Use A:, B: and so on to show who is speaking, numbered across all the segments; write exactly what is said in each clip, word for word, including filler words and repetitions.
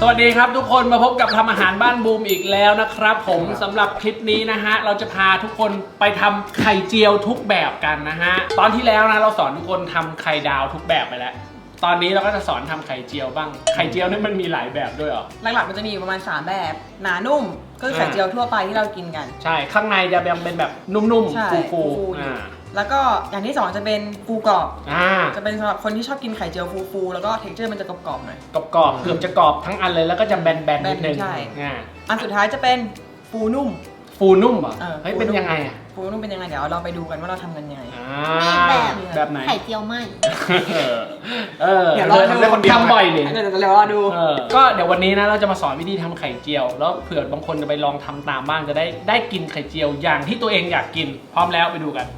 A: วัสดีครับทุกคนมาพบกับทำอาหารบ้านบูมอีกแล้วนะครับผมสำหรับคลิปนี้นะฮะเราจะพาทุกคนไปทำไข่เจียวทุกแบบกันนะฮะตอนที่แล้วนะเราสอนทุกคนทำไข่ดาวทุกแบบไปแล้วตอนนี้เราก็จะสอนทำไข่เจียวบ้างไข่เจียวนี่มันมีหลายแบบด้วยเหรอ
B: หลักๆมันจะมีประมาณสามแบบหนานุ่มก็คือไข่เจียวทั่วไปที่เรากินกัน
A: ใช่ข้างในจะเป็นแบบนุ่มๆฟูๆอ่า
B: แล้วก็อย่างที่สองจะเป็นฟูกรอบ
A: อ่า
B: จะเป็นสำหรับคนที่ชอบกินไข่เจียวฟูๆแล้วก็เท็กเจอร์มันจะกรอบๆหน่อย
A: กรอบๆเกือบจะกรอบทั้งอันเลยแล้วก็จะแบนๆนิดนึง
B: ใช่
A: อ่า
B: อันสุดท้ายจะเป็นฟูนุ่ม
A: ฟูนุ่มเหรอเฮ้ยเป็นยังไงอ่ะ
B: ฟูนุ่มเป็นยังไงเดี๋ยวเราไปดูกันว่าเราทำกันยังไง
C: แบบ
A: แบบไหน
C: ไข่เจียวไหม
A: เออเดี๋ยวเราทำบ่อยนี่
B: เดี๋ยวเราดู
A: ก็เดี๋ยววันนี้นะเราจะมาสอนวิธีทำไข่เจียวแล้วเผื่อบางคนจะไปลองทำตามบ้างจะได้ได้กินไข่เจียวอย่างที่ตัวเองอยากกินพร้อมแล้วไปดูกัน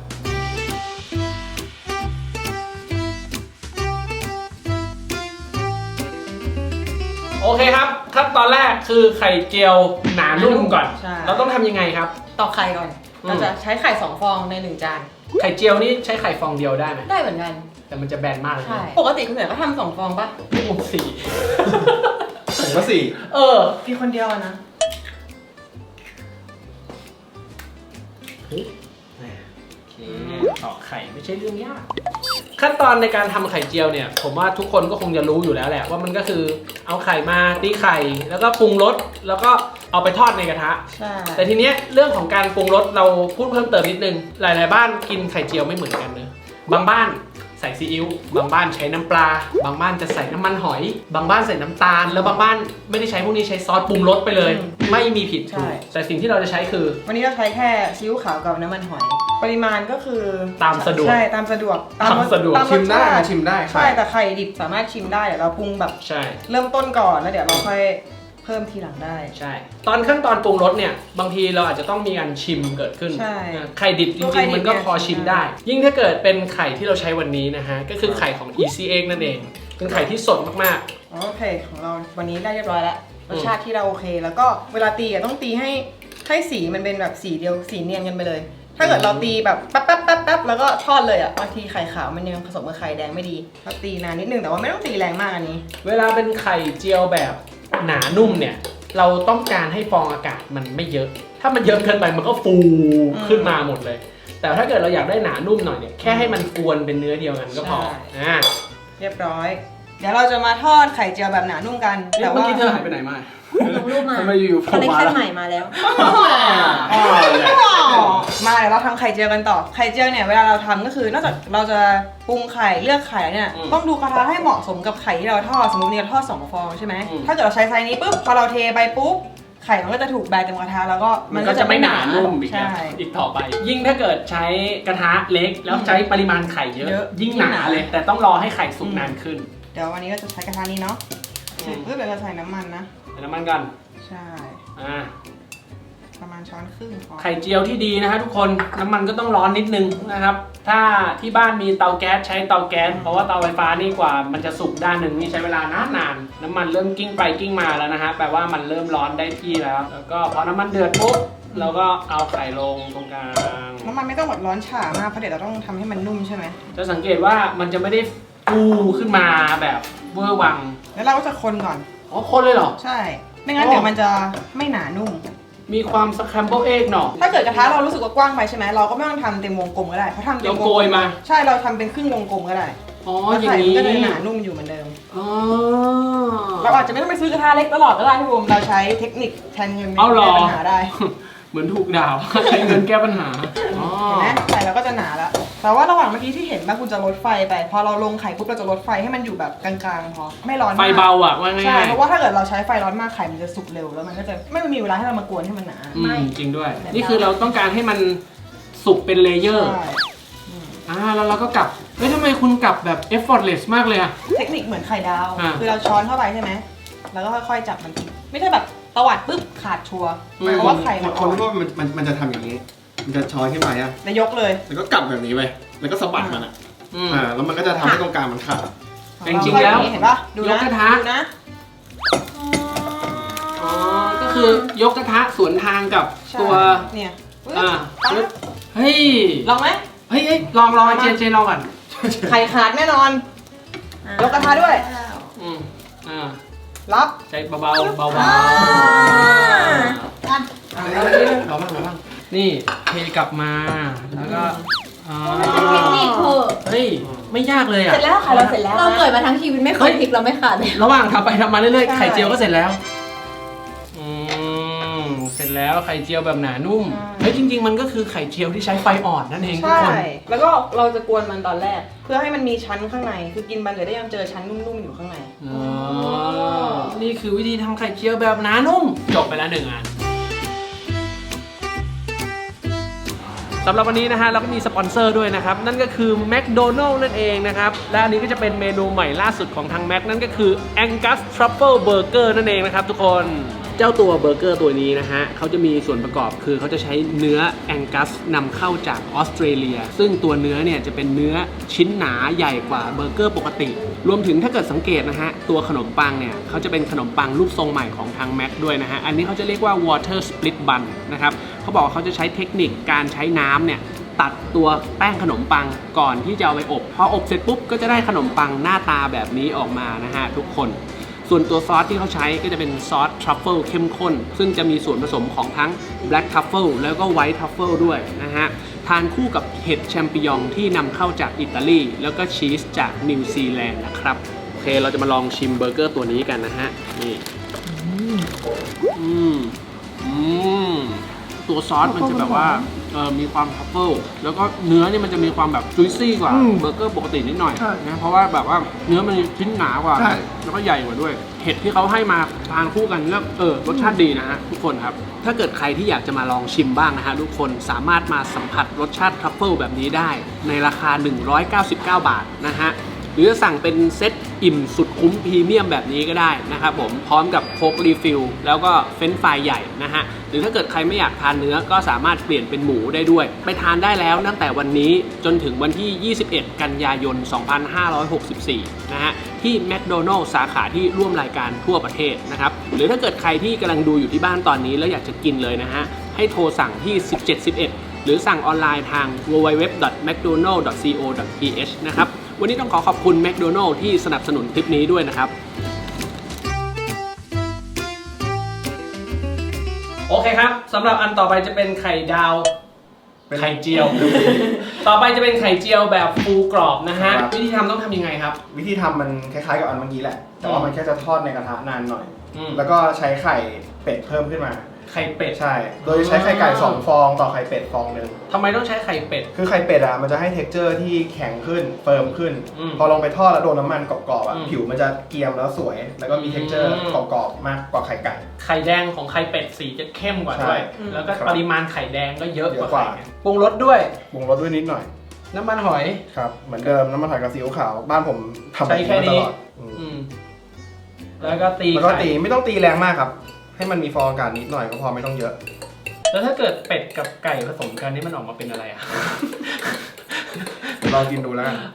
A: โอเคครับขั้นตอนแรกคือไข่เจียวหนานุ่มก่อนเราต้องทำยังไงครับ
B: ตอกไข่ก่อนเราจะใช้ไข่สองฟองในหนึ่งจาน
A: ไข่เจียวนี่ใช้ไข่ฟองเดียวได้ไหม
B: ได้เหมือนกัน
A: แต่มันจะแบนมากเลย
B: ใช่ปกติคุณเหนือก็ทำสองฟองป่ะ
A: พี่ผมสี่
D: ผมก็สี่
A: เออ
B: พี่คนเดียวนะ
A: ตอกไข่ไม่ใช่เรื่องยากขั้นตอนในการทำไข่เจียวเนี่ยผมว่าทุกคนก็คงจะรู้อยู่แล้วแหละว่ามันก็คือเอาไข่มาตีไข่แล้วก็ปรุงรสแล้วก็เอาไปทอดในกระทะ
B: ใช่
A: แต่ทีเนี้ยเรื่องของการปรุงรสเราพูดเพิ่มเติมนิดนึงหลายๆบ้านกินไข่เจียวไม่เหมือนกันเนอะบางบ้านใส่ซีอิ๊วบางบ้านใช้น้ำปลาบางบ้านจะใส่น้ำมันหอยบางบ้านใส่น้ำตาลแล้วบางบ้านไม่ได้ใช้พวกนี้ใช้ซอสปรุงรสไปเลยไม่มีผิดถูกแต่สิ่งที่เราจะใช้คือ
B: วันนี้เราใช้แค่ซีอิ๊วขาวกับน้ำมันหอยปริมาณก็คือ
A: ตามสะดวก
B: ใช่ตามสะดวก
A: ตามสะดวก
D: ชิมได้ชิมได้
B: ใช่แต่ไข่ดิบสามารถชิมได้เดี๋ยวเราปรุงแบบ
A: ใช่
B: เริ่มต้นก่อนแล้วเดี๋ยวเราค่อยเพิ่มทีหลังได้
A: ใช่ตอนขั้นตอนปรุงรสเนี่ยบางทีเราอาจจะต้องมีการชิมเกิดขึ้นไข่ดิบจริงๆมันก็พอชิมได้ยิ่งถ้าเกิดเป็นไข่ที่เราใช้วันนี้นะฮะก็คือไข่ของ Easy Egg นั่นเองเป็นไข่ที่สดมาก
B: ๆโอเคของเราวันนี้ได้เรียบร้อยแล้วรสชาติที่เราโอเคแล้วก็เวลาตีต้องตีให้ให้สีมันเป็นแบบสีเดียวสีเนียนกันไปเลยถ้าเกิดเราตีแบบแป๊บแป๊บแป๊บแป๊บแล้วก็ทอดเลยอ่ะบางทีไข่ขาวมันยังผสมกับไข่แดงไม่ดีเราตีนานนิดนึงแต่ว่าไม่ต้องตีแรงมากอันนี้
A: เวลาเป็นไข่เจียวแบบหนานุ่มเนี่ยเราต้องการให้ฟองอากาศมันไม่เยอะถ้ามันเยอะเกินไปมันก็ฟูขึ้นมาหมดเลยแต่ถ้าเกิดเราอยากได้หนานุ่มหน่อยเนี่ยแค่ให้มันกวนเป็นเนื้อเดียวกันก็พออ่า
B: เรียบร้อยเดี๋ยวเราจะมาทอดไข่เจียวแบบหนานุ่มกัน
A: แต่ว่าเมื่อกี้เธอหายไปไหนมา
C: ลงรูปมา
A: ทำไมอยู่
C: คอลเลคชั่นใหม่มาแล้ว
B: มาเดี๋ยวเราทำไข่เจียวกันต่อไข่เจียวเนี่ยเวลาเราทำก็คือนอกจากเราจะปรุงไข่เลือกไข่เนี่ยต้องดูกระทะให้เหมาะสมกับไข่ที่เราทอดสมมติเราทอดสองฟองใช่ไหมถ้าเกิดเราใช้ไซส์นี้ปุ๊บพอเราเทไปปุ๊บไข่มันก็จะถูกแบนเต็มกระทะแล้วก็
A: มันก็จะไม่หนานุ่มอีกอีกต่อไปยิ่งถ้าเกิดใช้กระทะเล็กแล้วใช้ปริมาณไข่เยอะยิ่งหนาเลยแต่ต้องรอให้ไข่สุกนานขึ้น
B: เดี๋ยววันนี้ก็จะใช้กระทะนี้เนาะเสร็จปุ๊บเดี๋ยวเราใส่น้ำมันนะ
A: ใส่น้ำมันกัน
B: ใช่
A: อ่า
B: ประมาณช้อนครึ่ง
A: ไข่เจียวที่ดีนะฮะทุกคนน้ำมันก็ต้องร้อนนิดนึงนะครับถ้าที่บ้านมีเตาแก๊สใช้เตาแก๊สเพราะว่าเตาไฟฟ้านี่กว่ามันจะสุกด้านหนึ่งนี่ใช้เวลานานนานน้ำมันเริ่มกิ้งไปกิ้งมาแล้วนะฮะแปลว่ามันเริ่มร้อนได้ที่แล้วแล้วก็พอน้ำมันเดือดปุ๊บเราก็เอาไข่ลงตรงกลาง
B: น้ำมันไม่ต้องแบบร้อนฉ่ามากเพราะเดี๋ยวเราต้องทำให้มันนุ่มใช่ไหม
A: จะสังเกตว่ามันจะไม่ได้ฟูขึ้นมาแบบเวอร์วัง
B: แล้วเราก็จะคนก่อน
A: อ๋อคนเลยเหรอ
B: ใช่ไม่งั้นเดี๋ยวมันจะไม่หนานุ่ม
A: มีความสแครมเบิลเอ็กเนาะ
B: ถ้าเกิดกระทะเรารู้สึกว่ากว้างไปใช่ไหมเราก็ไม่ต้องทำเต็มวงกลมก็ได้เพราะทำเต็มวงกลม
A: มา
B: ใช่เราทำเป็นครึ่งวงกลมก็ได้
A: อ๋ออย่างนี้
B: ก็จะหนานุ่มอยู่เหมือนเดิม
A: อ๋อ
B: เราอาจจะไม่ต้องไปซื้อกระทะเล็กตลอดก็ได้พี่บูมเราใช้เทคนิคแทนเงินแก้ปัญหาได้
A: เหมือนถูกด่าใช้เงินแก้ปัญหา
B: เห็นไหมไข่เราก็จะหนาแล้วแต่ว่าระหว่างเมื่อกี้ที่เห็นว่าคุณจะลดไฟไปพอเราลงไข่ปุ๊บเราจะลดไฟให้มันอยู่แบบกลางๆพอไม่ร้อน
A: ไฟเบาอ่ะว่าง่าย
B: ใช่เพราะว่าถ้าเกิดเราใช้ไฟร้อนมากไข่มันจะสุกเร็วแล้วมันก็จะไม่มีเวลาให้เรามากวนให้มันหนา
A: ไม่จริงด้วยนี่คือเราต้องการให้มันสุกเป็นเลเยอร์อ่าแล้วเราก็กลับเฮ้ยทำไมคุณกลับแบบ effortless มากเลยอะ
B: เทคนิคเหมือนไข่ดาวคือเราช้อนเข้าไปใช่ไหมแล้วก็ค่อยๆจับมันไม่ใช่แบบตวัดปุ๊บขาดชัวร์เพราะว่าไข่มัน
D: คนรู้ว่ามันมันมันจะทำอย่างนี้มันจะช้อนขึ้นมาอ่ะ
B: แล้วยกเลย
D: แล้วก็กลับแบบนี้ไปแล้วก็สะบัดมันอ่ะอ่าแล้วมันก็จะทำให้ตรงกลางมันขาด
A: จริงๆแล้ว
B: เห็นป่ะดูนะ
A: กระทะ
B: นะ
A: อ๋อก็คือยกกระทะสวนทางกับตัว
B: เนี่ย
A: อ่าเฮ้ย
B: ลองไหม
A: เฮ้ยลองลองเจนเจนลองก่อน
B: ไข่ขาดแน่นอนยกกระทะด้วย
A: อืมอ่า
B: รับ
A: ใช้เบาๆเบาๆ
C: อ่า
B: อ่ะ
A: เอาบ้างเอาบ้างนี่เทกลับมาแล้วก็อ่า
C: เทคนิคเถอะ
A: เฮ้ยไม่ยากเลยอ่ะ
B: เสร็จแล้วค่ะเราเสร็จแล้ว
C: เราเกิดมาทั้งชีวิตไม่เคยพลิกเราไม่ขาดเลย
A: ระหว่างทำไปทำมาเรื่อย
B: ใช่
A: ๆไข่เจียวก็เสร็จแล้วอืมเสร็จแล้วไข่เจียวแบบหนานุ่มเฮ้ยจริง ๆ มันก็คือไข่เจียวที่ใช้ไฟอ่อนนั่นเองทุก
B: ใช่
A: คน
B: แล้วก็เราจะกวนมันตอนแรก เพื่อให้มันมีชั้นข้างใน คือกินมันเลยได้ยังเจอชั้นนุ่มๆอยู่ข้างใน
A: อ๋อนี่คือวิธีทำไข่เจียวแบบหนานุ่มจบไปแล้วหนึ่งอันสำหรับวันนี้นะฮะเราก็มีสปอนเซอร์ด้วยนะครับนั่นก็คือ McDonald's นั่นเองนะครับและอันนี้ก็จะเป็นเมนูใหม่ล่าสุดของทาง Mac นั่นก็คือ Angus Truffle Burger นั่นเองนะครับทุกคนเจ้าตัวเบอร์เกอร์ตัวนี้นะฮะเขาจะมีส่วนประกอบคือเขาจะใช้เนื้อ Angus นำเข้าจากออสเตรเลียซึ่งตัวเนื้อเนี่ยจะเป็นเนื้อชิ้นหนาใหญ่กว่าเบอร์เกอร์ปกติรวมถึงถ้าเกิดสังเกตนะฮะตัวขนมปังเนี่ยเขาจะเป็นขนมปังรูปทรงใหม่ของทาง Mac ด้วยนะฮะอันนี้เขาจะเรียกว่า water split bun นะครับเขาบอกว่าเขาจะใช้เทคนิคการใช้น้ำเนี่ยตัดตัวแป้งขนมปังก่อนที่จะเอาไปอบพออบเสร็จปุ๊บก็จะได้ขนมปังหน้าตาแบบนี้ออกมานะฮะทุกคนส่วนตัวซอสที่เขาใช้ก็จะเป็นซอสทรัฟเฟิลเข้มข้นซึ่งจะมีส่วนผสมของทั้ง Black Truffle แล้วก็ White Truffle ด้วยนะฮะทานคู่กับเห็ดแชมปิญองที่นำเข้าจากอิตาลีแล้วก็ชีสจากนิวซีแลนด์นะครับโอเคเราจะมาลองชิมเบอร์เกอร์ตัวนี้กันนะฮะนี่อืมอืมตัวซอสมันจะแบบว่าเออมีความทัฟเฟิลแล้วก็เนื้อนี่มันจะมีความแบบจุยซี่กว่าเบอร์เกอร์ปกตินิดหน่อยนะเพราะว่าแบบว่าเนื้อมันชิ้นหนากว่าแล้วก็ใหญ่กว่าด้วยเห็ดที่เขาให้มาทานคู่กันแล้วเออรสชาติดีนะฮะทุกคนครับถ้าเกิดใครที่อยากจะมาลองชิมบ้างนะฮะทุกคนสามารถมาสัมผัสรสชาติทรัฟเฟิลแบบนี้ได้ในราคาหนึ่งร้อยเก้าสิบเก้าบาทนะฮะหรือจะสั่งเป็นเซตอิ่มสุดคุ้มพรีเมียมแบบนี้ก็ได้นะครับผมพร้อมกับโค้กรีฟิลแล้วก็เฟรนช์ฟรายใหญ่นะฮะหรือถ้าเกิดใครไม่อยากทานเนื้อก็สามารถเปลี่ยนเป็นหมูได้ด้วยไปทานได้แล้วตั้งแต่วันนี้จนถึงวันที่ยี่สิบเอ็ดกันยายนสองพันห้าร้อยหกสิบสี่นะฮะที่ McDonald's สาขาที่ร่วมรายการทั่วประเทศนะครับหรือถ้าเกิดใครที่กำลังดูอยู่ที่บ้านตอนนี้แล้วอยากจะกินเลยนะฮะให้โทรสั่งที่สิบเจ็ดสิบเอ็ดหรือสั่งออนไลน์ทาง ดับเบิลยู ดับเบิลยู ดับเบิลยู ดอท แมคโดนัลด์ ดอท ซี โอ ดอท ที เอช นะครับวันนี้ต้องขอขอบคุณ McDonald's ที่สนับสนุนคลิปนี้ด้วยนะครับโอเคครับสำหรับอันต่อไปจะเป็นไข่ดาวไข่เจียว ต่อไปจะเป็นไข่เจียวแบบฟูกรอบนะฮะวิธีทำต้องทำยังไงครับ
D: วิธีทำมันคล้ายๆกับอันเมื่อกี้แหละแต่ว่ามันแค่จะทอดในกระทะนานหน่อย
A: อืม
D: แล้วก็ใช้ไข่เป็ดเพิ่มขึ้นมา
A: ไข่เป็ด
D: ใช่ โดยใช้ไข่ไก่สองฟองต่อไข่เป็ดฟองหนึ่ง
A: ทำไมต้องใช้ไข่เป็ด
D: คือไข่เป็ดอ่ะมันจะให้เท็กเจอร์ที่แข็งขึ้นเฟิร์มขึ้น
A: อืม
D: พอลงไปทอดแล้วโดนน้ำมันกรอบๆอ่ะ
A: อืม
D: ผิวมันจะเกรียมแล้วสวย แล้วก็มีเท็กเจอร์
A: อืม
D: กรอบๆมากกว่าไข่ไก่
A: ไข่แดงของไข่เป็ดสีจะเข้มกว่าด้วย
D: ใช่
A: แล้วก็
D: ครับ
A: ปริมาณไข่แดงก็เยอะ
D: เย
A: ก
D: อะ
A: ว่าก
D: ว่า
A: ไข่ปรุงรสด้วย
D: ปรุงรสด้วยนิดหน่อย
A: น้ำมันหอย
D: ครับเหมือนเดิมน้ำมันหอยกับซีอิ๊วขาวบ้านผมทำ
A: ใช้แค่นี้
D: มาตลอดอืม
A: อืมแล้วก็ตี
D: แล้วก็
A: ไข่
D: ตีไม่ต้องตีแรงมากครับ ให้มันมีฟองอากาศนิดหน่อยก็พอไม่ต้องเยอะ
A: แล้วถ้าเกิดเป็ดกับไก่ผสมกันนี่มันออกมาเป็นอะไรอ่ะ
D: ลองกินดูแล้วกัน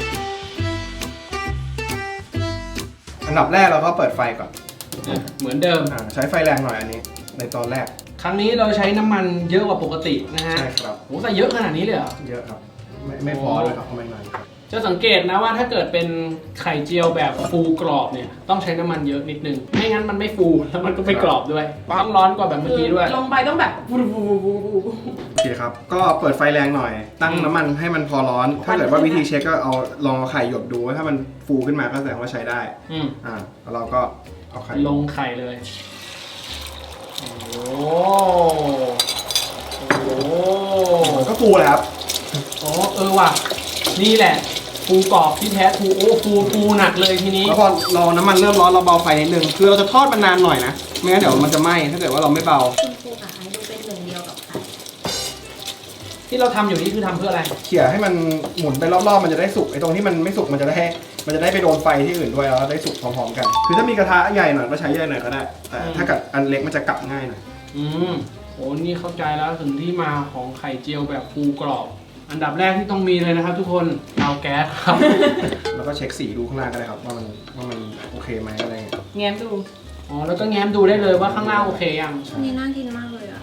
D: อันดับแรกเราก็เปิดไฟก่อน
A: เหมือนเดิม
D: อ่าใช้ไฟแรงหน่อยอันนี้ ในตอนแรก
A: ครั้งนี้เราใช้น้ำมันเยอะกว่าปกตินะฮะ
D: ใช่ครับ
A: โหใส่เยอะขนาดนี้เลยเหรอ
D: เยอะครับ ไม่ไม่พอเลยครับทำไมหน่อยครับ
A: จะสังเกตนะว่าถ้าเกิดเป็นไข่เจียวแบบฟูกรอบเนี่ยต้องใช้น้ำมันเยอะนิดนึงไม่งั้นมันไม่ฟูแล้วมันก็ไม่กรอบด้วยต้องร้อนกว่าแบบเมื่อกี้ด้วย
B: ลงไปต้องแบบวูวูวูวูวู
D: โอเคครับ ก็เปิดไฟแรงหน่อย ตั้ง
A: อืม
D: น้ำมันให้มันพอร้อน ถ้าเกิดว่าวิธีเช็คก็เอาลองเอาไข่หยดดูว่าถ้ามันฟูขึ้นมาก็แสดงว่าใช้ได้
A: อืม
D: อ่าแล้วเราก็เอาไข่
A: ลงไข่เลยโอ้โหโอ้โห
D: ก็ฟูเลยครับ
A: โอ้เออว่ะนี่แหละฟูกรอบที่แท้ฟูโอ้ฟูฟูหนักเลยทีนี้
D: แล้วพอเราน้ำมันเริ่มร้อนเราเบาไฟนิดนึง คือเราจะทอดมันนานหน่อยนะ ไม่งั้นเดี๋ยวมันจะไหม้ ถ้าเกิดว่าเราไม่เบา
C: คุณครูกับไอดูเป็นหนึ่งเดียวกับไข่
A: ที่เราทำอยู่นี่คือทำเพื่ออะไร
D: เขี่ยให้มันหมุนไปรอบๆ มันจะได้สุก ไอ้ตรงที่มันไม่สุกมันจะได้มันจะได้ไปโดนไฟที่อื่นด้วยแล้วได้สุกพร้อมๆกัน คือถ้ามีกระทะใหญ่หน่อยก็ใช้ใหญ่หน่อยก็ได้ แต่ถ้าเกิดอันเล็กมันจะกลับง่ายหน่อย
A: อืมโอ้นี่เข้าใจแล้วถึงที่มาของไข่เจียวแบบฟูกรอบ อันดับแรกที่ต้องมีเลยนะครับทุกคนเตาแก๊สครับ
D: แล้วก็เช็คสีดูข้างล่างก็ได้ครับว่ามันว่ามันโอเคไหมอะไรเงี้ย
B: แง้มดู
A: อ๋อแล้วก็แง้มดูได้เลยว่าข้างล่างโอเคยัง
C: อันนี้น่ากินมากเลยอ่ะ
A: โห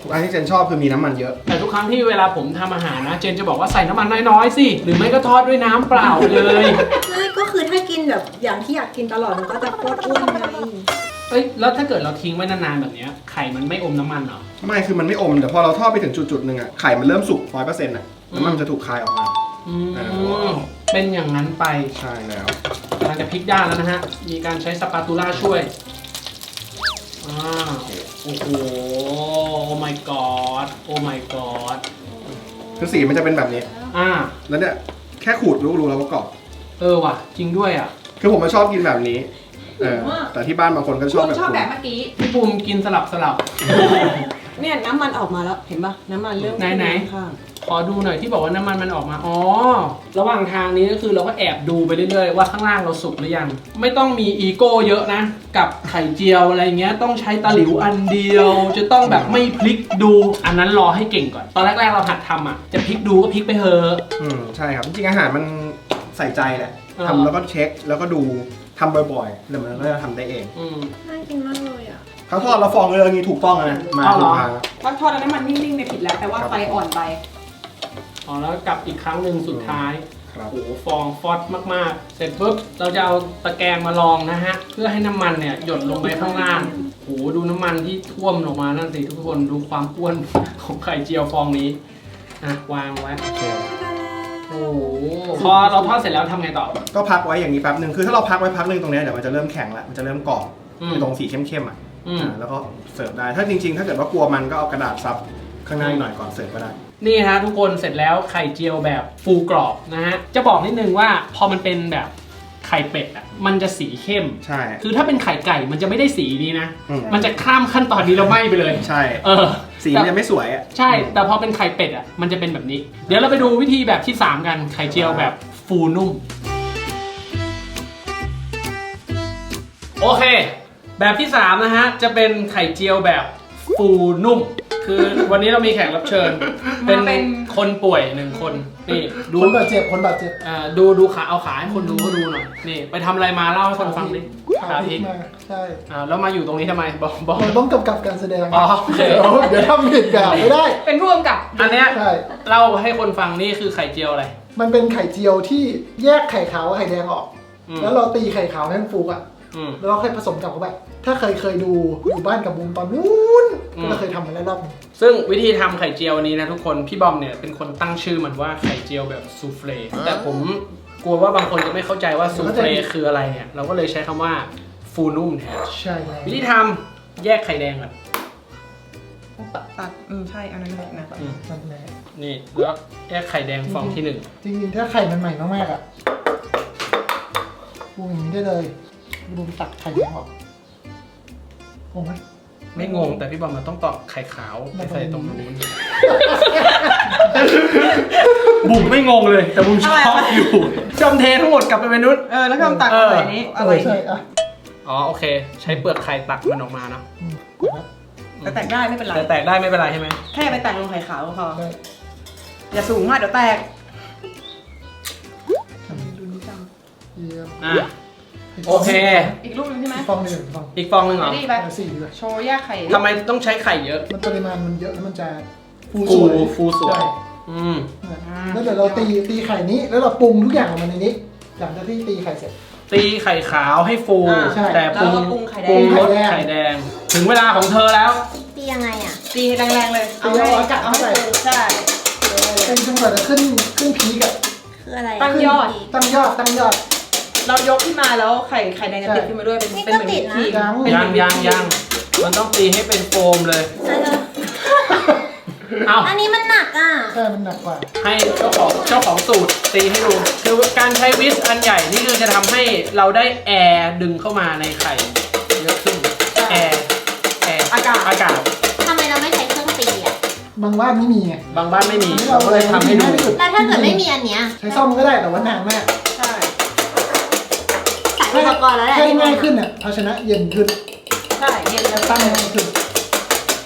D: อันที่เจนชอบคือมีน้ำมันเยอะ
A: แต่ทุกครั้งที่เวลาผมทำอาหารนะเจนจะบอกว่าใส่น้ำมันน้อยๆสิหรือไม่ก็ทอดด้วยน้ำเปล่าเลย
C: ไม่ก็คือถ้ากินแบบอย่างที่อยากกินตลอดมันก็จะโคตรอ้วนไง
A: เอ้ยแล้วถ้าเกิดเราทิ้งไว้นานๆแบบเนี้ยไข่มันไม่อมน้ำมันเหรอ
D: ไม่คือมันไม่อมแต่พอเราทอดไปถึงจุดๆหนึ่งอ่ะไข่มันเริ่มสุกร้อยเปอร์เซ็นต์อ่ะน้ำมันมันจะถูกคายออกมา
A: อืม
D: อ่า
A: เป็นอย่างนั้นไป
D: ใช่แล้ว
A: กำลังจะพลิกด้านแล้วนะฮะมีการใช้สปาตูล่าช่วยอ่าโอ้โหโอ้ my god โอ้ my god
D: คือสีมันจะเป็นแบบนี้
A: อ่า
D: แล้วเนี่ยแค่ขูดรู้รู้แล้วว่ากรอบ
A: เออว่ะจริงด้วยอ่ะ
D: คือผมมาชอบกินแบบนี้เออแต่ที่บ้านบางคนก็ช
B: คุ
D: อบ
B: ณ
D: แบบ
B: ชอบ
D: คุณ
B: แบบเมื่อกี้
A: พี่ปูมกินสลับสลับ
B: เนี่ยน้ำมันออกมาแล้วเห็นปะน้ำมันเริ่ม
A: ไหนๆ
B: ข้าง
A: ขอดูหน่อยที่บอกว่าน้ำมันมันออกมา อ๋อ ระหว่างทางนี้ก็คือเราก็แอบดูไปเรื่อยๆว่าข้างล่างเราสุกหรือยัง ไม่ต้องมีอีโก้เยอะนะ กับไข่เจียวอะไรเงี้ย ต้องใช้ตะหลิวอันเดียว จะต้องแบบไม่พลิกดู อันนั้นรอให้เก่งก่อน ตอนแรกๆเราหัดทำอ่ะ จะพลิกดูก็พลิกไปเถอะ
D: อืมใช่ครับจริงๆอาหารมันใส่ใจแหละ
A: อ่า
D: ทำแล้วก็เช็คแล้วก็ดูทำบ่อยๆแล้วมันก็จะทำได้เอง
A: อืม
C: น่ากินมากเลยอ่ะ
D: เขาทอดแล้วฟองเลยอย่างนี้ถูกต้องนะมา
A: อ๋อเหร
D: ถู
A: อ
D: กทาง
B: ๆถ้าทอดแล้วน้ำมันนิ่งๆเนี่ยผิดแล้วแต่ว่าไฟอ่อนไป
A: อ๋อแล้วกลับอีกครั้งหนึ่งสุดท้าย
D: ครับ
A: โอ้โหฟองฟอสมากๆ เสร็จปุ๊บเราจะเอาตะแกรงมาลองนะฮะ เพื่อให้น้ำมันเนี่ยหยดลงไปข้างล่างโอ้โหดูน้ำมันที่ท่วมลงมานั่นสิทุกคนดูความอ้วน ของไข่เจียวฟองนี้อ่ะวางไว้
D: โอเค
A: โอ้โหพอเราทอดเสร็จแล้วทำไงต่อ
D: ก็พักไว้อย่างนี้แป๊บหนึ่งคือถ้าเราพักไว้พักหนึ่งตรงเนี้ยเดี๋ยวมันจะเริ่มแข็งละมันจะเริ่มกรอบ
A: อืม
D: คือตรงสีเข้มๆอ่ะ
A: อืม
D: อ่าแล้วก็เสิร์ฟได้ถ้าจริงๆ ถ้าเกิดว่ากลัวมันก็เอากระดาษซับข้างหน้าหน่อยก่อนเสิร์ฟก็ได้
A: นี่ฮะทุกคนเสร็จแล้วไข่เจียวแบบฟูกรอบนะฮะจะบอกนิดนึงว่าพอมันเป็นแบบไข่เป็ดอ่ะมันจะสีเข้ม
D: ใช่
A: คือถ้าเป็นไข่ไก่มันจะไม่ได้สีนี้นะ
D: อืม
A: มันจะข้ามขั้นตอนนี้แล้วไหม้ไปเลย
D: ใช่
A: เออ
D: สีมันยังไม่สวยอ่ะ
A: ใช่ แต่พอเป็นไข่เป็ดอ่ะ มันจะเป็นแบบนี้ เดี๋ยวเราไปดูวิธีแบบที่ สาม กัน ไข่เจียวแบบฟูนุ่ม โอเค แบบที่ สาม นะฮะ จะเป็นไข่เจียวแบบฟูนุ่ม คือวันนี้เรามีแขกรับเชิญ เป็น
B: มาเป็น
A: คนป่วยหนึ่งคน นี่ดู
E: คนบาดเจ็บคนบาดเจ็บ
A: อ่าดูดูขาเอาขาให้คนดูเขาดูหน่อย นี่ไปทำอะไรมาเล่าให้คนฟังดิ
E: ขา
A: ขา
E: พ
A: พ
E: ลิ
A: ลิ
E: ก
A: ก
E: มาใช่
A: อ่าแล้วมาอยู่ตรงนี้ทำไม บอกบอก
E: มันต้องกำกับการแสดง
A: อ๋อโอเค
E: เดี๋ยวเดี๋ยวทำผิดแบบไม่ได้
B: เป็นผู้กำกับ
A: อันเนี้ย
E: ใช่
A: เล่าให้คนฟังนี่คือไข่เจียวอะไร
E: มันเป็นไข่เจียวที่แยกไข่ขาวกับไข่แดงออก
A: อืม
E: แล้วเราตีไข่ขาวให้มันฟูอ่ะ
A: อืม
E: แล้วเราค่อยผสมกับเข้าไปถ้าเคยเคยดูอยู่บ้านกับบูมตอนนู้น
A: อืม
E: ก็เราเคยทำมาแล้วรอบนึง
A: ซึ่งวิธีทำไข่เจียวนี้นะทุกคน พี่บอมเนี่ยเป็นคนตั้งชื่อมันว่าไข่เจียวแบบซูเฟลแต่ผมกลัวว่าบางคนจะไม่เข้าใจว่าซูเฟลคืออะไรเนี่ย เราก็เลยใช้คำว่าฟูนุ่มแทน
E: ใช่แล้ว
A: วิธีทำแยกไข่แดงก่อน
B: ตัดตัดอืมใช่อันนั้นเลยนะ
A: อืม
E: นั่นแหละ
A: นี่แล้วแยกไข่แดงฟองที่หนึ่ง
E: จริงๆถ้าไข่มันใหม่มากๆอ่ะบูมอย่างนี้ได้เลยบูมตักไข่แดงออกงงไหม
A: ไม่งงแต่พี่บอมมันต้องตอกไข่ขาวไปใส่ตรงนู้น บุ๋มไม่งงเลย แต่บุ๋มชอบอยู่จอมเททั้งหมดกลับไปเป็นนุช
B: เออแล้วก็ตัด
A: เออ
B: ใส่นี้อะไร
E: เออใช่อ่ะ
A: อ๋อโอเค ใช้เปลือกไข่ตักมันออกมาเนาะ
E: อืมกดนะ
B: แต่แตกได้ไม่เป็นไร
A: แต่แตกได้ไม่เป็นไรใช่ไหม
B: แค่ไปแตกลงไข่ขาวก็พอ
E: ได้
B: อย่าสูงมากเดี๋ยวแตก
E: ดูนี่จังเยี่ยม
A: อ่ะโอเค
B: อีกรูปหนึงใช่ไหม
E: ฟองหนึ่งฟอง
A: อีกฟองหนึ่งเหรอ
B: นี่ไป
E: เอาสี่ดีกว่า
B: โชว์แยกไข่
A: ทำไมต้องใช้ไข่เยอะ
E: มันปริมาณมันเยอะแล้วมันจะฟู
A: ฟู
E: สวย
A: ฟูสวย
E: ใช่
A: อืม
E: แล้วเดี๋ยวเราตีตีไข่นี้แล้วเราปรุงทุกอย่างออกมาในนี้หลังจากที่ตีไข่เสร็จ
A: ตีไข่ขาวให้ฟู
B: อ่า
E: ใช่
A: แต่ปรุง
B: แล้วก็ปรุงไข่แดง
A: ปรุงรส
E: ไข่แดง
A: ไข่แดง ถึงเวลาของเธอแล้ว
C: ตียังไงอ่ะ
B: ตีแรงๆเลย เอาให้
E: ตีเอาอากาศ
B: เอาให้
E: เข้าไป
B: ฟูใช่
E: เป็นจนกว่าจะขึ้นขึ้นพีกอะ
C: คืออะไร
B: ตั้งยอด
E: ตั้งยอดตั้งยอด
B: เรายกขึ้นมาแล้วไข่ไข่แดงจะ
E: ใช่
B: ติดขึ้นมาด้วยเป็น
C: นี่
B: เป็น
C: ก็
B: เหมือน
C: ติด
B: วิ
C: นะ
B: ปครีม
E: ยัง
B: เป็น
A: ยัง
B: เหมือน
A: ยังยังมันต้องตีให้เป็นโฟมเลย
C: เออ
A: เอา
C: อันนี้มันหนักอ่ะ
E: ใช่มันหนักกว่า
A: ให้เจ้าของเจ้าของสูตรตีให้ดู คือการใช้วิสอันใหญ่นี่คือจะทำให้เราได้แอร์ดึงเข้ามาในไข่เยอะขึ้น แอร์แอร์
B: อากาศ
A: อากาศ
C: ทำไมเราไม่ใช้เครื่องตีอ่ะ
E: บางบ้านไม่มีไง
A: บางบ้านไม่มี
E: อันนี้
A: เราก็เลยทำให้ดู
E: ง่ายที่สุด
C: แล้วถ้าเกิดไม่มีอันเนี้ย
E: ใช้ซ่อมก็ได้แต่ว่านานมาก
B: ใช่
C: ใส่อุปกรณ์แล้วแหละ
E: ให้ง่ายขึ้นอ่ะภาชนะเย็นขึ้น
B: ใช่เย็นแล้ว
E: ตั้งง่ายขึ้น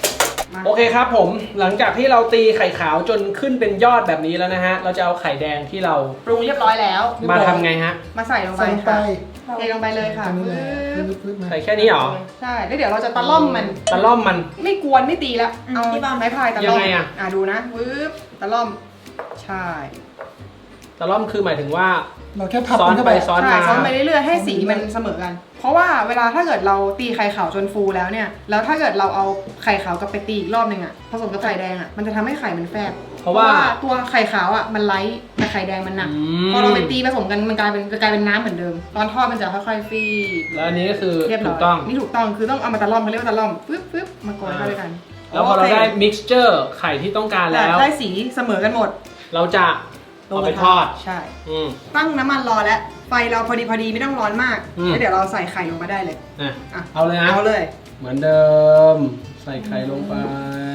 B: มา
A: โอเคครับผมหลังจากที่เราตีไข่ขาวจนขึ้นเป็นยอดแบบนี้แล้วนะฮะเราจะเอาไข่แดงที่เรา
B: ปรุงเรียบร้อยแล้ว
A: มาทำไงฮะ
B: มาใส่ลงไป
E: ใส่ลงไป
B: ค่ะเทลงไปเลยค่ะ
E: ทำนี่แหละ
B: ปึ๊บ
E: ปึ๊บๆมา
A: ใส่แค่นี้เหรอ
B: ใช่แล้วเดี๋ยวเราจะตะล่อมมัน
A: ตะล่อมมัน
B: ไม่กวนไม่ตีละ
C: อืม
B: เอา
C: ที่บ้าน
B: ไม้พายตะล่อม
A: ยังไงอะ
B: อ่ะดูนะปึ๊บตะล่อมใช่
A: ตะล่อมคือหมายถึงว่า
E: เราแค่พับ
A: ซ้อน
E: มันเข้า
A: ไป
E: ไป
A: ซ้อน
B: ใช่
A: มา
B: ซ้อนไปเรื่อยๆให้สีมันเสมอกัน เพราะว่าเวลาถ้าเกิดเราตีไข่ขาวจนฟูแล้วเนี่ยแล้วถ้าเกิดเราเอาไข่ขาวกลับไปตีอีกรอบหนึ่งอ่ะผสมกับไข่แดงอ่ะมันจะทำให้ไข่มันแฟบ
A: เพราะว่า
B: ตัวไข่ขาวอ่ะมันไลท์แต่ไข่แดงมันหนัก
A: อืม
B: พอเราไปตีผสมกันมันกลายเป็นกลายเป็นน้ำเหมือนเดิม ตอนทอดมันจะค่อยๆฟีบ
A: แล้วอันนี้ก็คือ
B: เรียบร้
A: ถู
B: อย
A: กต้อง
B: นี่ถูกต้องคือต้องเอามาตะล่อมเขาเรียกว่าตะล่อมปึ๊บปึ๊บมาโกยเข้าด้วยกัน
A: แล้วพอเรา
B: โค
A: ได้ mixture ไข่ที่ต้องการแล้ว
B: ได้สีเสมอกันหมด
A: เราจะเอาไปทอด
B: ใช่
A: อืม
B: ตั้งน้ำมันรอแล้วไฟเราพอดีพอดีไม่ต้องร้อนมาก
A: อืม
B: แล้วเดี๋ยวเราใส่ไข่ลงมาได้เลย
A: อ่ะ
B: อ่ะ
A: เอาเลยนะ
B: เอาเลย
A: เหมือนเดิม ใส่ไข่ลงไป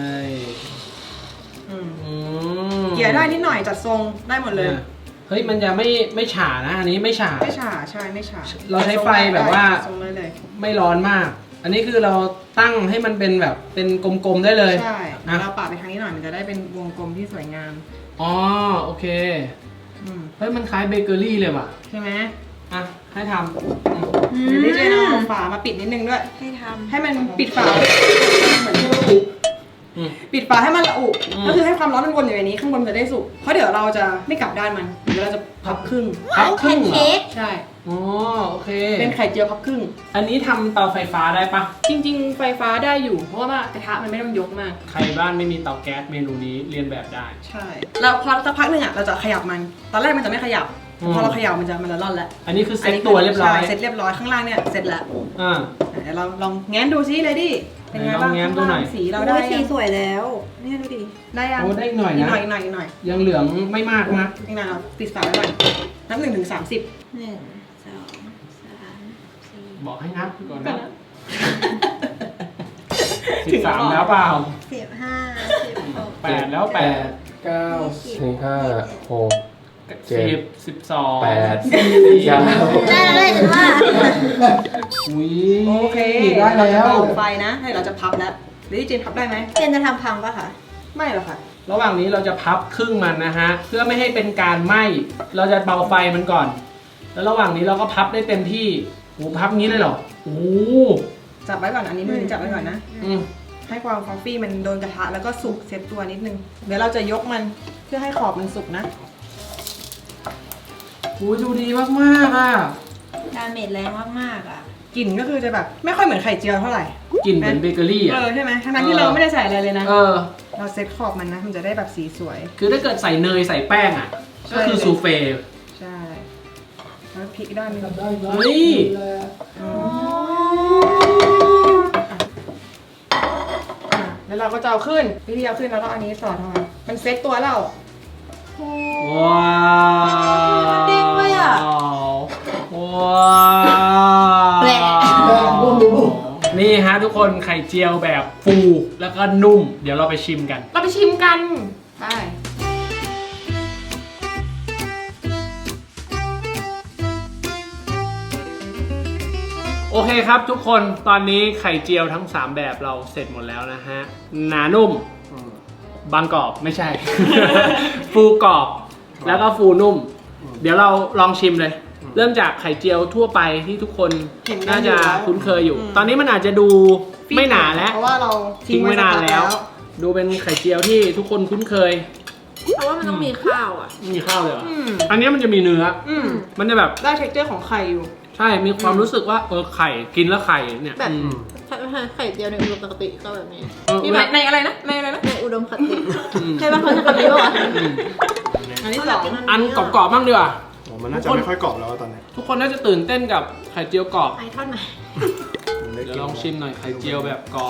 B: อืม
A: อืม
B: เกลี่ยได้นิดหน่อยจัดทรงได้หมดเลย
A: นี่เฮ้ยมันจะไม่ไม่ฉานะ อันนี้ไม่ฉา
B: ไม่ฉาใช่ไม่ฉา
A: เราใช้ไฟแบบว่า
B: ทรงได้เลย
A: ไม่ร้อนมาก อันนี้คือเราตั้งให้มันเป็นแบบเป็นกลมๆได้เลย
B: ใช่
A: นะ
B: เราปาดไปทางนี้หน่อยมันจะได้เป็นวงกลมที่สวยงาม
A: อ๋อโอเค
B: อืม
A: เฮ้ยมันคล้ายเบเกอรี่เลยว่ะ
B: ใช่ไหม
A: อ่ะให้ทำอืม
B: เดี๋ยวพี่เจนเอาฝามาปิดนิดนึงด้วย
C: ให้ทำ
B: ให้มันปิดฝาเหมือนที่เราอุ
A: อืม
B: ปิดฝาให้มันละอุ
A: อืม
B: ก็คือให้ความร้อนมันวนอยู่ในนี้ข้างบนมันจะได้สุกเพราะเดี๋ยวเราจะไม่กลับด้านมันเดี๋ยวเราจะพับครึ่ง
A: พับครึ่งเหรอ
C: เค้ก
B: ใช่
A: อ๋อโอเค
B: เป็นไข่เจียวพับครึ่ง
A: อันนี้ทำเตาไฟฟ้าได้ปะ
B: จริง ๆ ไฟฟ้าได้อยู่ เพราะว่ากระทะมันไม่ต้องยกมาก
A: ใครบ้านไม่มีเตาแก๊สเมนูนี้เรียนแบบได้
B: ใช่แล้วพอสักพักหนึ่งอ่ะเราจะขยับมัน ตอนแรกมันจะไม่ขยับ
A: อืม
B: พอเราเขยับมันจะมันจะร่อนแล้ว
A: อันนี้คือเซ็ตตัวเรียบร้อย
B: ใช่เสร็จเรียบร้อยข้างล่างเนี่ยเสร็จแล้ว
A: อ่า
B: เดี๋ยวเราลองแง้มดูซิเลยดิเป็นไงบ้าง
A: ไหนลองแง้มดูหน่อย
B: ข้างล่างสีเรา
C: เรา
B: ได้
C: ได้สี
B: ยัง
C: สวยแล้ว เนี่ยดูดิ
B: ได้ยัง
A: โอ้ได้อีกหน่อย
B: อีก
A: นะ
B: หน่อยอีกหน่อยอีกหน่อย
A: ยังเหลืองไม่มากนะ
B: อีกหน่อยเราปิดฝาไว้ก่อนนับหนึ่งถึงสามสิบ
C: หนึ่งสองสามสี่
A: บอกให้นับก่อนนะสิบสามแล้วเปล่า
C: สิบห้าสิบหก
A: แปดแล้วแปด
E: เก้า
F: สี่ห้าหก เจ็ด
A: สิบสิบสอง
F: แปด
A: สี่
F: เก้า
C: ได้แล้วเลยฉันว่า
A: อุ้ย
B: โอเค
A: ได้แล้
B: เราจะ
A: ว
B: เบาไฟนะให้เราจะพับแล้วหรือเจนพับได้ไหม
C: เจนจะทำพังปะคะ
B: ไม่หรอกค่ะ
A: ระหว่างนี้เราจะพับครึ่งมันนะฮะ เพื่อไม่ให้เป็นการไหม้ เราจะเบาไฟมันก่อน แล้วระหว่างนี้เราก็พับได้เต็มที่โอ้พับงี้เลยเหรอโอ้
B: จับไว้ก่อนอันนี้มือนี้จับไว้ก่อนนะ
A: อืม
B: ให้ความฟอฟฟี่มันโดนกระทะแล้วก็สุกเซตตัวนิดนึง เดี๋ยวเราจะยกมันเพื่อให้ขอบมันสุกนะ
A: โอ้ยดูดีมากๆอ่ะ
C: ดาเมจแรงมากๆอ่ะ
B: กลิ่นก็คือจะแบบไม่ค่อยเหมือนไข่เจียวเท่าไหร่
A: กลิ่นเหมือนเบเกอรี่
B: เอ
A: อ่ะ
B: อใช่ไหมทั้งนั้นที่เราไม่ได้ใส่อะไรเลยนะ
A: เออ
B: เราเซตขอบมันนะ มันจะได้แบบสีสวย
A: คือถ้าเกิดใส่เนยใส่แป้งอ่ะ ก็คือซูเฟ่
B: ใช่ แล้วพริกด้านหนึง
E: ทำได้
A: เฮ้ย
B: อืมอ่ะแล้วเราก็จะเอาขึ้น วิธีเอาขึ้นแล้วก็อันนี้สอดเข้ามามันเซตตัวเรา
A: ว้าว
C: เด้งเลยอะ
A: ว้าว
C: แหละ
E: โอ้โห
A: นี่ฮะทุกคนไข่เจียวแบบฟูแล้วก็นุ่ม เดี๋ยวเราไปชิมกัน
B: เราไปชิมกันไป
A: โอเคครับทุกคนตอนนี้ไข่เจียวทั้งสามแบบเราเสร็จหมดแล้วนะฮะหนานุ่มบางกรอบไม่ใช่ ฟูกรอบแล้วก็ฟูนุ่ม เดี๋ยวเราลองชิมเลย เริ่มจากไข่เจียวทั่วไปที่ทุกคน
B: เห็นกัน
A: น่าจะ
B: อยู่แล้ว
A: คุ้นเคยอยู่
B: อืม
A: ตอนนี้มันอาจจะดูไม่หนาแล้ว
B: เพราะว่าเรา
A: ทิ้งไว้นานแล้ว ดูเป็นไข่เจียวที่ทุกคนคุ้นเคย
C: เพราะว่ามันต้องมีข้าวอ่ะ
A: ไม่มีข้าวเลยเหรอ
B: อืม
A: อันนี้มันจะมีเนื้อ
B: อืม
A: มันจะแบบ
B: ได้ texture ของไข่อยู่
A: ใช่มีความรู้สึกว่าเออไข่กินแล้วไข่เนี่ย
C: แบบ
A: อืม
C: ไข่เจียวในอุดมคติก็แบบนี้
A: เออ
B: นี่ในในอะไรนะ ในอะไรนะ
C: ในอุดมคติ
A: อืม
C: ใช่ป่ะเขาจะคำนี้ป่ะวะ
A: อืม
B: อันที่สอง
A: อันกรอบๆบ้างดีกว่า
D: โอ้มันน่าจะไม่ค่อยกรอบแล้วตอนนี้
A: ทุกคนน่าจะตื่นเต้นกับไข่เจียวกรอบ
C: ไอทอดใหม่
D: มันได้
A: เดี๋ย
D: ก
A: ว
D: ลิ่น
A: ลองชิมหน่อยไข่เจียวแบบกรอบ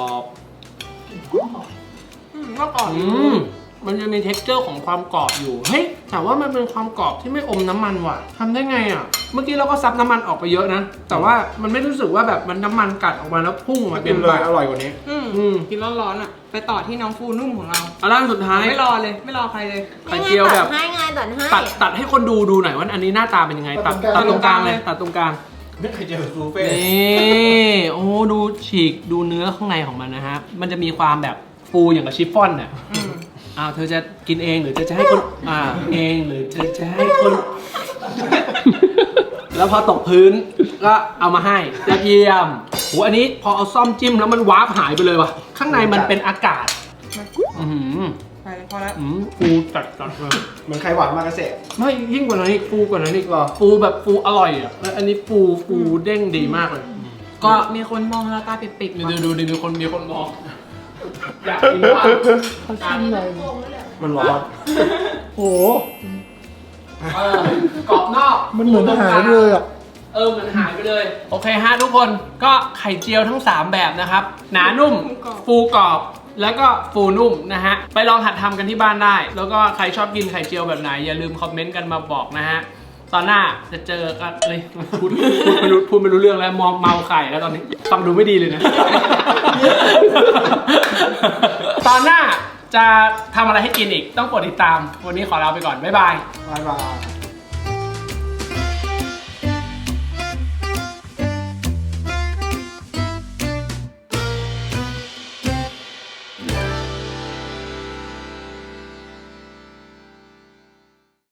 B: อืมก็กรอบ
A: อืมมันจะมี texture ของความกรอบอยู่ เฮ้ย แต่ว่ามันเป็นความกรอบที่ไม่อมน้ำมันว่ะทำได้ไงอ่ะ เมื่อกี้เราก็ซับน้ำมันออกไปเยอะนะ แต่ว่ามันไม่รู้สึกว่าแบบมันน้ำมันกัดออกมาแล้วพุ่งออก
D: มั
A: มาน
D: เป็
A: เต็
D: น
A: ม
D: เล
A: ปาย ก
D: อร่อยกว่านี้
B: อืม
A: อืม
B: กินร้อนๆอ่ะ ไปต่อที่น้องฟูนุ่มของเรา
A: เอาล่างสุดท้าย
B: ไม่รอเลย ไม่รอใครเลย
A: ไข่เจียวแบบ
C: ให้ไงตัดให้
A: ตัดตัดให้คนดูดูหน่อยว่าอันนี้หน้าตาเป็นยังไง ตัดตัดตรงกลางเลย ตัดตรงกลาง
D: นี่ไข่เจียวซูเฟ่
A: นี่โอ้ดูฉีกดูเนื้อข้างในของมันนะฮะ มันจะมีความแบบฟูอย่างกับชิฟฟ่อนเนี่ย
B: อืม
A: อ้าวเธอจะกินเองหรือเธอจะให้คนอ่าเองหรือเธอจะให้คน แล้วพอตกพื้นก็เอามาให้ยอดเยี่ยมโหอันนี้พอเอาซ่อมจิ้มแล้วมันวาร์ปหายไปเลยว่ะข้างในมันเป็นอากาศอือหือ
B: ไปเลยพอแล้ว
A: อืมฟูจัดจัดเลย
D: เหมือนไข่หวานมากระเสะ
A: ไม่ยิ่งกว่านั้นอีกฟูกว่านั้นอีกเหรอฟูแบบฟูอร่อยอ่ะแล้วอันนี้ฟูฟูเด้งดีมากเลย ก็
B: มีคนมองเราตาปิดๆ
A: ดู
B: ว่ะ
A: ดูดูดูคนมีคนมองอยากกินบ้าง
E: เขาชิมเลย
D: มันร้อน
E: โอ้โห
A: เออกรอบนอก
E: มันเหมือนหายเลยอ่ะ
A: เออเหมือนหายไปเลย โอเคฮะทุกคนก็ไข่เจียวทั้งสามแบบนะครับ หนานุ่ม ฟูกรอบ แล้วก็ฟูนุ่มนะฮะ ไปลองหัดทำกันที่บ้านได้ แล้วก็ใครชอบกินไข่เจียวแบบไหน อย่าลืมคอมเมนต์กันมาบอกนะฮะ ตอนหน้าจะเจอกันเลยพูดพูดไม่รู้พูดไม่รู้เรื่องแล้วมองเมาไข่แล้วตอนนี้ ฟังดูไม่ดีเลยนะ ตอนหน้าจะทำอะไรให้กินอีก ต้องกดติดตาม วันนี้ขอลาไปก่อน บ๊ายบาย
D: บายบาย